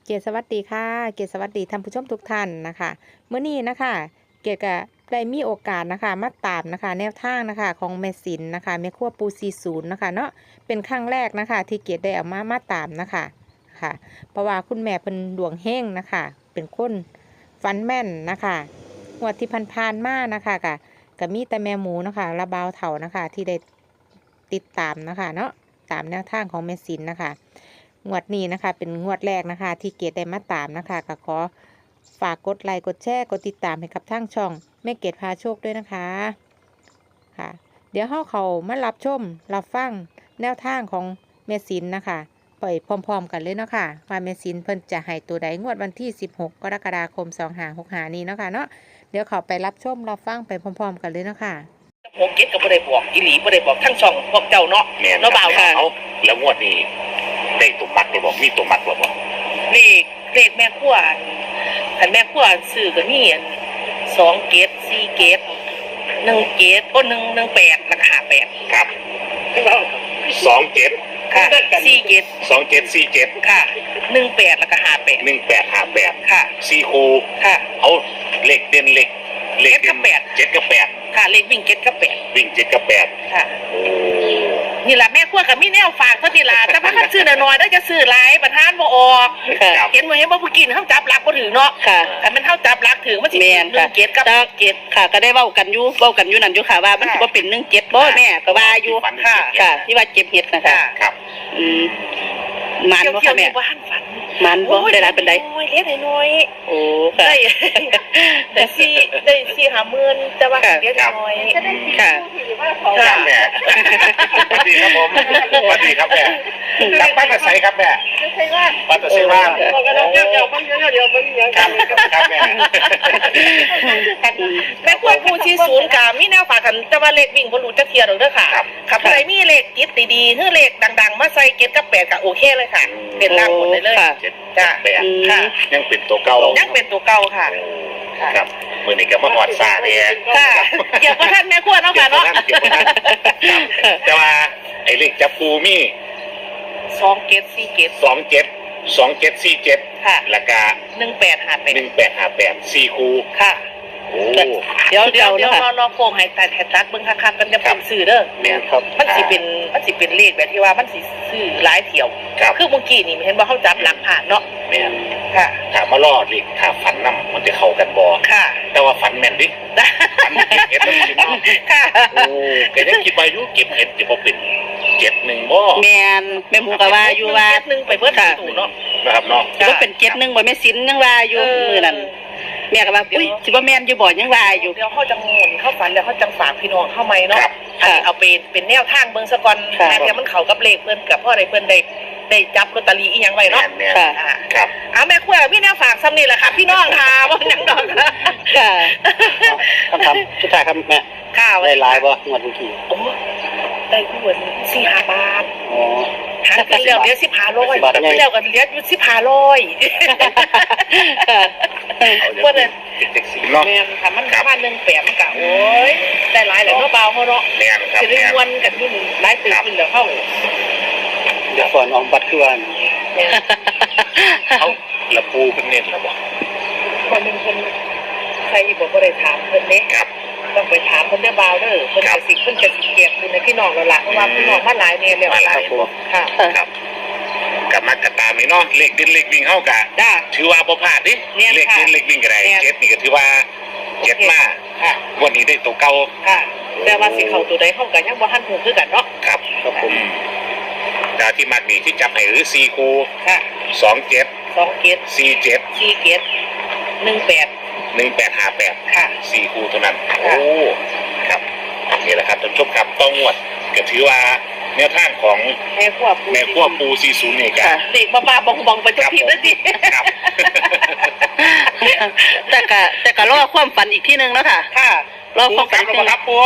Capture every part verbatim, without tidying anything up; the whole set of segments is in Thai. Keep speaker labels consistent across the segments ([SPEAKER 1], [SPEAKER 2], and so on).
[SPEAKER 1] เกียรติสวัสดีค่ะเกียรติสวัสดีท่านผู้ชมทุกท่านนะคะเมื่อนี้นะคะเกียรติก็ได้มีโอกาสนะคะมาตามนะคะแนวทางนะคะของแม่สินนะคะแม่ครัวปูซีศูนย์นะคะเนาะเป็นครั้งแรกนะคะที่เกียรติได้เอามามาตามนะคะค่ะเพราะว่าคุณแม่เป็นดวงเฮงนะคะเป็นคนฟันแม่นนะคะงวดที่ผ่านๆมานะคะกะก็มีแต่แม่หมูนะคะระบาวเถานะคะที่ได้ติดตามนะคะเนาะตามแนวทางของแม่สินนะคะงวดนี้นะคะเป็นงวดแรกนะคะที่เกดได้มาตามนะคะก็ขอฝากกดไลค์กดแชร์กดติดตามให้กับทางช่องแม่เกดพาโชคด้วยนะคะค่ะเดี๋ยวเฮาเขามารับชมรับฟังแนวทางของแม่สินนะคะไปพร้อมๆกันเลยเนาะค่ะว่าแม่สินเพิ่นจะให้ตัวใดงวดวันที่สิบหกกรกฎาคมสองห้าหกห้านี้เนาะค่ะเนาะเดี๋ยวเขาไปรับชมรับฟังไปพร้อมๆกันเลยเนาะค่ะ
[SPEAKER 2] หกเจ็ดก็บ่ได้บอกอีหลีบ่ได้บอกทั้งช่องพวกเจ้าเนาะเนาะบ่าวค่ะ
[SPEAKER 3] เอาแล้วงวดนี้ได้ตัวมัดได้บอกมีตัวมัดบอกว่า
[SPEAKER 2] เลขเลขแม่ครัวคันแม่ครัวซื้อก็มีอันสองเกตสี่เกตหนึ่งเกตโอ้หนึ่งหนึ่งแปดแล้วก็ห้าแปด
[SPEAKER 3] ครับสองเจ็ด
[SPEAKER 2] ค่ะสี่เกต
[SPEAKER 3] สองเจ็ดสี่เจ็ด
[SPEAKER 2] ค่ะหนึ่งแปดแล้วก็ห้าแปด
[SPEAKER 3] หนึ่งแปดห้าแปด
[SPEAKER 2] ค่ะ
[SPEAKER 3] สี่คู
[SPEAKER 2] ค่ะ
[SPEAKER 3] เอาเลขเด่นเลขเลขเด่นเจ็ดกับแปด
[SPEAKER 2] ค่ะเลขวิ่งเจ็ดกับแปด
[SPEAKER 3] วิ่งเจ็ดกับแปด
[SPEAKER 2] ค่ะนี่แหละแม่ครัวกับมีแนวฝากเท่าที่ละแต่ว่าคันซื้อน้อยๆได้จะซื้อหลายประทานบ่ออกเห็นบ่เห็นบ่ผู้กินเฮาจับหลักบ่ถือเนาะ
[SPEAKER 4] ค่ะ
[SPEAKER 2] คันมันเฮาจับหลักถือมันสิเป็นหนึ่งเจ็ดกับเจ็ด
[SPEAKER 4] ค่ะก็ได้เว้ากันอยู่เว้ากันอยู่นั่นอยู่ค่ะว่ามันสิบ่เป็นหนึ่งเจ็ดบ่แม่ก็ว่าอยู่
[SPEAKER 2] ค่ะ
[SPEAKER 4] ค่ะที่ว่าเจ็บเฮ็ดนะคะ
[SPEAKER 3] ครับ
[SPEAKER 4] อืมมันบ่ค่ะแม่มันบ่ได้หลายปานใด
[SPEAKER 2] น้อยเล็กน้อย
[SPEAKER 4] โอ้ค่ะ
[SPEAKER 2] ได้ได้สี่ได้สี่ห้าหมื่นแต่ว่าเล็กน้อย
[SPEAKER 4] ค่ะ
[SPEAKER 3] ครับแม่สวัสดีครับผมสวัสดีครับแม่รับบ้านตะไซครับแม่
[SPEAKER 2] ใช่ว่า
[SPEAKER 3] บ้านตะไซว่า
[SPEAKER 2] บอกกันแล้วเดี๋ยวมันเดี๋ยวเดี๋ยวมันยัง
[SPEAKER 3] ครับครับแม่
[SPEAKER 2] แม่ครัวผู้ที่ศูนย์กามีแนวฝากกันแต่ว่าเลขวิ่งบ่รู้จักเที่ยดอกเด้อค่ะครับใครมีเลขจิตดีๆคือเลขดังๆมาใส่เจ็ดกับแปดก็โอเคเลยค่ะเป็นล่างหมดเลยเลย
[SPEAKER 3] จ้าแปด
[SPEAKER 2] ค่ะ
[SPEAKER 3] ยังเป็นตัวเก่า
[SPEAKER 2] ยังเป็นตัวเก่าค่ะ
[SPEAKER 3] ครับมื้อนี้ก็มาฮอดซ่าเด้
[SPEAKER 2] ค่ะเกี่ยวกับท่านแม่ครัวเนาะค่ะเนาะ
[SPEAKER 3] แต่ว่าไอ้เลขจับปูมี
[SPEAKER 2] สองเจ็ดสี่เจ็ด
[SPEAKER 3] สองเจ็ดสองเจ็ดสี่เจ็ด
[SPEAKER 2] ค่ะ
[SPEAKER 3] แล้วก็
[SPEAKER 2] หนึ่งแปดห้าแปด
[SPEAKER 3] หนึ่งแปดห้าแปดสี่คู
[SPEAKER 2] ค่ะ
[SPEAKER 3] โอ้
[SPEAKER 2] เดี๋ยวเดี๋ยวเดี๋ยวรอรอโค้งให้แต่แถตัดเบิ่งคักๆกันจะเป็นสื่อเด้อ
[SPEAKER 3] แม่นครับ
[SPEAKER 2] มันสิเป็นมันสิเป็นเลขแบบที่ว่ามันสิซื้อหลายเที่ยวคือเมื่อกี้นี่เห็นว่าเขาจับหลักผ่านเนาะ
[SPEAKER 3] แม่น
[SPEAKER 2] ค่ะ
[SPEAKER 3] ถามมารอดเลขถ้าฝันนำมันจะเข้ากันบ่
[SPEAKER 2] ค่ะ
[SPEAKER 3] แต่ว่าฝันแม่นดิฝันเก็บเห็ดแล้วสิเนาะ
[SPEAKER 2] ค่ะ
[SPEAKER 3] โอ้ก็ยังคิดว่าอยู่เก็บเห็ดสิบ่เป็นเจ็ดหนึ่งบ่
[SPEAKER 4] แม่นแม่หมูก็ว่าอยู่ว่า
[SPEAKER 2] เจ็ดหนึ่งไปเบิดตู้เนาะ
[SPEAKER 3] นะครับเนาะ
[SPEAKER 4] สิบ่เป็นเจ็ดหนึ่งบ่แม่สินยังว่าอยู่มื้อนั้นแม่ก็ว่าอุ้ยสิบ่แม่นอยู่บ่ยังว่าอยู่
[SPEAKER 2] เดี๋ยวเขาจะงูนเขาฝันแล้วเขาจังฝากพี่น้องเข้าไหมเนาะอันนี้เอาเป็นเป็นแนวทางเบิ่งซะก่อนถ้าเดี๋ยวมันเข้ากับเลขเพิ่นกับพ่อได้เพิ่นได้ได้จับลอตเตอรี่อีหยังไว้เนาะ
[SPEAKER 3] ค่ะครับ
[SPEAKER 2] เอาแม่ครัวมีแนวฝากซ้ำนี่แหละค่ะพี่น้องค่ะบ่หยังดอก
[SPEAKER 4] ค่ะคำถามสุดท้ายครับแม่
[SPEAKER 2] ค่ะ
[SPEAKER 4] ได้หลายบ่งวดเมื่อกี้
[SPEAKER 2] โอ้ได้งวดสี่ห้าบาท
[SPEAKER 4] อ๋อ
[SPEAKER 2] หาเป็นแล้วเดี๋ยวสิบห้าร้อยแล้วก็เหลืออยู่สิบห้าร้อย
[SPEAKER 3] ว่าเนี่ยเด็กสีเนาะ
[SPEAKER 2] แม่นค่ะมันประมาณหนึ่งแปดมันก็โอ้ยได้หลายแล้วเนาะเบาเฮาเนาะ
[SPEAKER 3] แม่นครับ
[SPEAKER 2] สิได้มวนกันอยู่หลายตื่นขึ้นแล้วเฮา
[SPEAKER 4] เดี๋ยวก่อนออกบัตรคือว่า
[SPEAKER 3] เขาละปูเป็นเน้นละบ่
[SPEAKER 2] คนนึงเพิ่นใครบ่บ่ได้ถามเพิ่นเด้
[SPEAKER 3] ครับ
[SPEAKER 2] ต้องไปถามเพิ่นได้เบาเด้อเพิ่นจะสิเพิ่นจะสิแจกคุณในพี่น้องแล้วล่ะเพราะว่าพี่น้องมาหลายแน่แล้ว
[SPEAKER 3] หลาย
[SPEAKER 2] ค่ะ
[SPEAKER 3] ครับกลับมากระตามนี่เนาะเลขเด่นเลขวิ่งเฮากะถือว่าบ่พลาดดิเลขเด่นเลขวิ่งก็ได้เจ็ดนี่ก็ถือว่าเจ็ดมาวันนี้ได้ตัวเก่า
[SPEAKER 2] ค่ะแต่ว่าสิเข้าตัวใดเฮาก็ยังบ่ทันฮู้คือกันเนาะ
[SPEAKER 3] ครับครับผมดาวที่มักนี่ที่จับให้หรือสี่คู
[SPEAKER 2] ค่ะ
[SPEAKER 3] สองเจ็ด
[SPEAKER 2] สองเจ็ด
[SPEAKER 3] สี่เจ็ด
[SPEAKER 2] สี่เจ็ดหนึ่งแปด
[SPEAKER 3] หนึ่งแปดห้าแปด
[SPEAKER 2] ค่ะ
[SPEAKER 3] สี่คูเท่านั้นโอ้ครับนี่แหละครับท่านผู้ชมครับต้องงวดก็ถือว่าแนวทางของ
[SPEAKER 2] แม่ครัวปู
[SPEAKER 3] แม่ครัวปูสี่ศูนย์นี่กัน
[SPEAKER 2] เด็กบ้าๆบองๆไปทุกทีแล้วสิ
[SPEAKER 3] ครับ
[SPEAKER 4] แต่ก็แต่ก็รอความฝันอีกที่นึงแล้วค่ะ
[SPEAKER 2] ค่ะ
[SPEAKER 4] รอความฝัน
[SPEAKER 3] ครับปู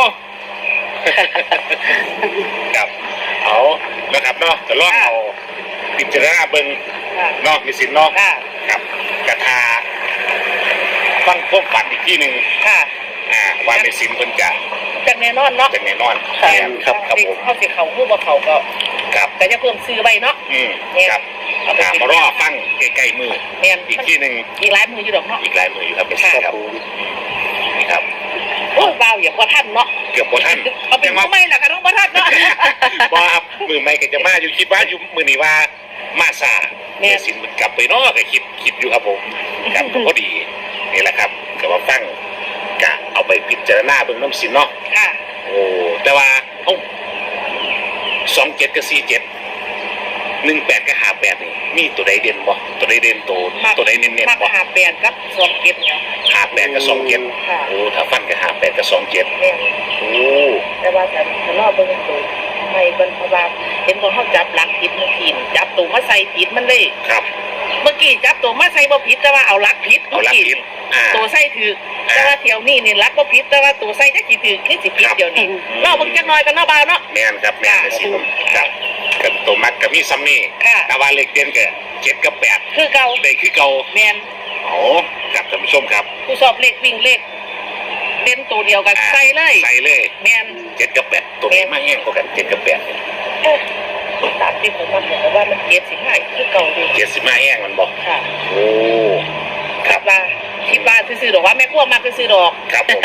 [SPEAKER 3] ครับเอานะครับเนาะจะลองเอาพิจารณาเบิ่งเนาะมีสินเนาะครับกระทาฟังความฝันอีกที่นึง
[SPEAKER 2] ค่ะ
[SPEAKER 3] อ่าว่ามีสินเพิ่นจะ
[SPEAKER 2] จังแน่นอนเนาะ
[SPEAKER 3] จังแน่นอน
[SPEAKER 2] ครับครับผมเขาสิเขาฮู้บ่เขาก็
[SPEAKER 3] ครับ
[SPEAKER 2] แต่จะเพิ่มซื้อไว้เนาะ
[SPEAKER 3] อืมครับถามมารอฟังใกล้ๆมือ
[SPEAKER 2] แม่น
[SPEAKER 3] อีกที่หนึ่ง
[SPEAKER 2] อีกหลายมืออยู่ดอกเนาะ
[SPEAKER 3] อีกหลายมืออยู่ครับเป็นสิครับนี่ครับ
[SPEAKER 2] โอ้ยว้าวอย่าพอท่านเนาะ
[SPEAKER 3] เกือบโบท่าน
[SPEAKER 2] เอาเป็นมือไม่ล่ะค่ะน้องพอท่านเนาะ
[SPEAKER 3] ว่าครับมือไม่ก็จะมาอยู่คิดว่าอยู่มือนี้ว่ามาซา
[SPEAKER 2] แม่
[SPEAKER 3] เมสินกลับไปเนอกก็คิดคิดอยู่ครับผมครับก็พอดีนี่แหละครับก็ว่าฟังกะเอาไปพิจารณาเบิ่งน้ำสินเนาะ
[SPEAKER 2] ค่ะ
[SPEAKER 3] โอ้แต่ว่าเอ้าสองเจ็ดกับสี่เจ็ดหนึ่งแปดกับห้าแปดนี่มีตัวใดเด่นบ่ตัวใดเด่นตัวตัวใดเน้น
[SPEAKER 2] มา
[SPEAKER 3] ๆบ่
[SPEAKER 2] หาแปดกับสองเก็บเนาะ
[SPEAKER 3] ห้าแปดกับสองเจ็ด
[SPEAKER 2] ค่ะ
[SPEAKER 3] โอ้ถ้าฟันกับห้าแปดกับสองเจ็ด
[SPEAKER 2] แม่น
[SPEAKER 3] โอ้
[SPEAKER 2] แต่ว่าแต่ถ้ารอบเบิ่งตัวไม่เบิ่งเพราะว่าเห็นของเขาจับหลักผิดมันผิดจับตัวมาใส่ผิดมันเลย
[SPEAKER 3] ครับ
[SPEAKER 2] เมื่อกี้จับตัวมาใส่บ่ผิดแต่ว่าเอาหลักผิด
[SPEAKER 3] เอาลักทิศอ่า
[SPEAKER 2] ตัวใส่ถือแต่ว่าเที่ยวนี้นี่หลักบ่ผิดแต่ว่าตัวใส่จักสิถือคือสิผิดเดี๋ยวนี้รอบเบิ่งจักหน่อยกันเนาะบ่าวเนาะ
[SPEAKER 3] แม่นครับแม่นเลยสิผมครับกับตัวมัดกับมีซัมนี่
[SPEAKER 2] ค่ะ
[SPEAKER 3] แต่ว่าเลขเด่นกับเจ็ดกับแปด
[SPEAKER 2] คือเก่า
[SPEAKER 3] ได้คือเก่า
[SPEAKER 2] แม่น
[SPEAKER 3] โอ้ครับท่านผู้ชมครับ
[SPEAKER 2] ผู้สอบเลขวิ่งเลขเล่นตัวเดียวกัน
[SPEAKER 3] อ่า
[SPEAKER 2] ใส่เลย
[SPEAKER 3] ใส่เลย
[SPEAKER 2] แม่น
[SPEAKER 3] เจ็ดกับแปดตัวนี้มาแห้งกว่ากันเจ็ดกับแปด
[SPEAKER 2] เอ๊ะตามที่ผมว่าบอกว่ามันเก็บสิง่ายคือเก่าดี
[SPEAKER 3] เจ็ดสิบมาแห้งมันบอก
[SPEAKER 2] ค่ะ
[SPEAKER 3] โอ้ค
[SPEAKER 2] คิ
[SPEAKER 3] รั
[SPEAKER 2] ด
[SPEAKER 3] บ
[SPEAKER 2] ว่าคิดว่าซื้อๆดอกว่าแม่กลัวมากซื้อๆดอก
[SPEAKER 3] ครับผม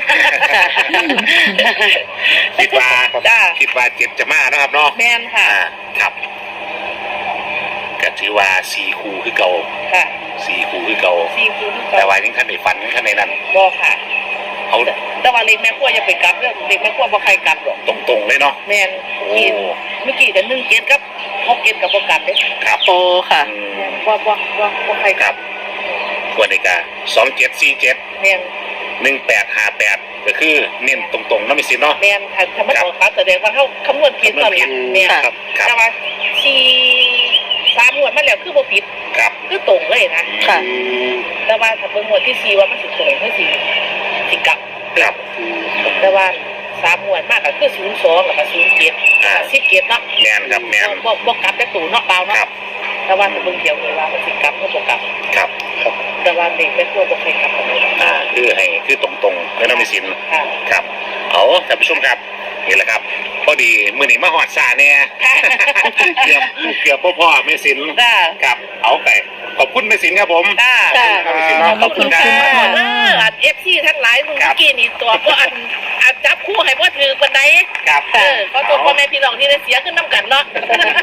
[SPEAKER 3] คิดว่า
[SPEAKER 2] จ้า
[SPEAKER 3] คิดว่าเจ็ดจะมานะครับเนาะ
[SPEAKER 2] แม่นค่ะ
[SPEAKER 3] อ่าครับก็ถือว่าสี่คู่คือเก่า
[SPEAKER 2] ค่ะ
[SPEAKER 3] สี่คู่คือเก่า
[SPEAKER 2] ซีฟู้ด
[SPEAKER 3] แต่ว่ายังท่านได้ฝันยังท่านในนั้น
[SPEAKER 2] บ่ค่ะ
[SPEAKER 3] เอา
[SPEAKER 2] แต่ว่าเล็กแม่กลัวอย่าไปกลับเด้อเล็กแม่กลัวบ่ใครกลับหรอก
[SPEAKER 3] ตรงๆเลยเนาะ
[SPEAKER 2] แม่น
[SPEAKER 3] โอ้
[SPEAKER 2] กินเมื่อกี้ก็หนึ่งเกตกับหกเกตกับบ่กลับเด้
[SPEAKER 3] ครับ
[SPEAKER 4] โอ้ค่ะ
[SPEAKER 3] อืม
[SPEAKER 2] แม่นบ่บ่บ่บ่ใคร
[SPEAKER 3] ค
[SPEAKER 2] ก
[SPEAKER 3] รั
[SPEAKER 2] ลั
[SPEAKER 3] บบ ควรในกาสองเจ็ดสี่เจ็ด
[SPEAKER 2] แม่น
[SPEAKER 3] หนึ่งแปดห้าแปดก็คือเน้นตรงๆเนาะมิสิเนาะ
[SPEAKER 2] แม่นถ้าถ้ามันออกครับแสดงว่าเฮาคำนวณผิดตอนนี้แม่น
[SPEAKER 3] ครับครั
[SPEAKER 2] แต่
[SPEAKER 3] บ
[SPEAKER 2] ว่าสี่สามงวดมาแล้วคือบ่ผิด
[SPEAKER 3] ครับ
[SPEAKER 2] คือตรงเลยนะ
[SPEAKER 4] ค่ะ
[SPEAKER 3] อืม
[SPEAKER 2] แต่ว่าถ้าเบิ่งงวดที่สี่ว่ามันสิตรงคือสิสิกลับ
[SPEAKER 3] ครับ
[SPEAKER 2] แต่ว่าสามงวดมากก็คือศูนย์สองแล้วก็ศูนย์เจ็ด
[SPEAKER 3] อ่า
[SPEAKER 2] สิบเจ็ดเนาะ
[SPEAKER 3] แมนครับแมน
[SPEAKER 2] บ่บ่กลับแต่ตู่เนาะเปล่า
[SPEAKER 3] ค
[SPEAKER 2] เนาะ
[SPEAKER 3] รับ
[SPEAKER 2] แต่ว่าถ้าเบิ่งเดียวเลยว่ามันสิกลับก็บ่กลับ
[SPEAKER 3] ครับ
[SPEAKER 2] แต่ว่าเด็กไม่ควรบ่เคยกลับกันเลย
[SPEAKER 3] อ่าคือให้คือตรงๆไม่ต้องมีสิน
[SPEAKER 2] ค่ะ
[SPEAKER 3] ครับเอาท่านผู้ชมครับนี่แหละครับพอดีมือนี้มาหอดซาเนี่ยเกือบเกือบพ่อพ่อไม่สิน
[SPEAKER 2] จ้า
[SPEAKER 3] ครับเอาไปขอบคุณไม่สินครับผม
[SPEAKER 2] จ้า
[SPEAKER 4] จ้า
[SPEAKER 3] ขอบคุณเนาะ
[SPEAKER 2] ขอบคุณค่ะ
[SPEAKER 3] ขอบ
[SPEAKER 2] เอ
[SPEAKER 3] ณ
[SPEAKER 2] ออัน เอฟ ซี ทั้งหลายมึง
[SPEAKER 3] ครั
[SPEAKER 2] เมื่
[SPEAKER 3] บ
[SPEAKER 2] อกี้นี่ตัวก็อันอันจับคู่ให้บ่ถือปานใด
[SPEAKER 3] ครับ
[SPEAKER 2] เออขอตัวพ่อแม่พี่น้องที่ได้เสียขึ้นนํกันเนาะ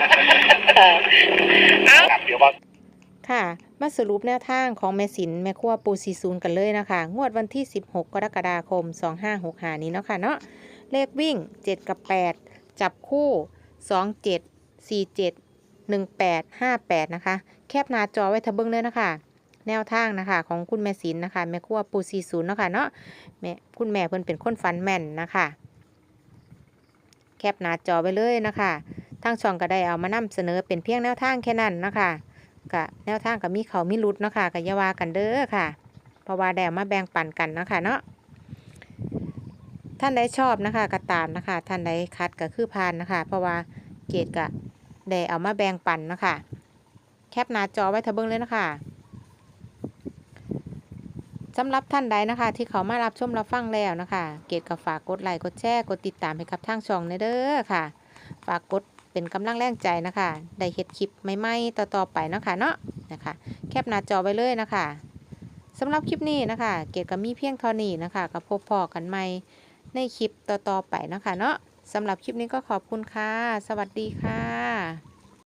[SPEAKER 2] เอา
[SPEAKER 3] ครับเดี๋ยวว่า
[SPEAKER 1] ค่ะ มาสรุปแนวทางของแม่สินแม่ครัวปูซีซูนกันเลยนะคะ งวดวันที่ สิบหก กรกฎาคม สองห้าหกห้า นี้เนาะค่ะเนาะ เลขวิ่ง เจ็ด กับ แปด จับคู่ สอง เจ็ด สี่ เจ็ด หนึ่ง แปด ห้า แปด นะคะ แคปหน้าจอไว้ทะเบิ้งเลยนะคะ แนวทางนะคะของคุณแม่สินนะคะ แม่ครัวปูซีซูนเนาะค่ะเนาะแม่คุณแม่เพิ่นเป็นคนฟันแม่นนะคะ แคปหน้าจอไว้เลยนะคะทางช่องก็ได้เอามานำเสนอเป็นเพียงแนวทางแค่นั้นนะคะกะแนวทางกับมีเขามีรุดเนาะค่ะกับยาวากันเด้อค่ะ เพราะว่าได้เอามาแบ่งปันกันเนาะค่ะเนาะท่านใดชอบนะคะก็ตามนะคะท่านใดคัดก็คือพานนะคะ เพราะว่าเกดกะได้เอามาแบ่งปันนะคะแคปหน้าจอไว้ทะเบิ้งเลยนะคะสำหรับท่านใดนะคะ ที่เขามารับชมรับฟังแล้วนะคะ เกดก็ฝากกดไลค์กดแชร์กดติดตามให้กับทางช่องเด้อค่ะ ฝากกดเป็นกำลังแรงใจนะคะ ได้เฮ็ดคลิปใหม่ๆต่อๆไปเนาะค่ะเนาะนะคะ แคปหน้าจอไว้เลยนะคะสำหรับคลิปนี้นะคะ เกดก็มีเพียงเท่านี้นะคะกับพบพอกันใหม่ในคลิปต่อๆไปนะคะเนาะสำหรับคลิปนี้ก็ขอบคุณค่ะ สวัสดีค่ะ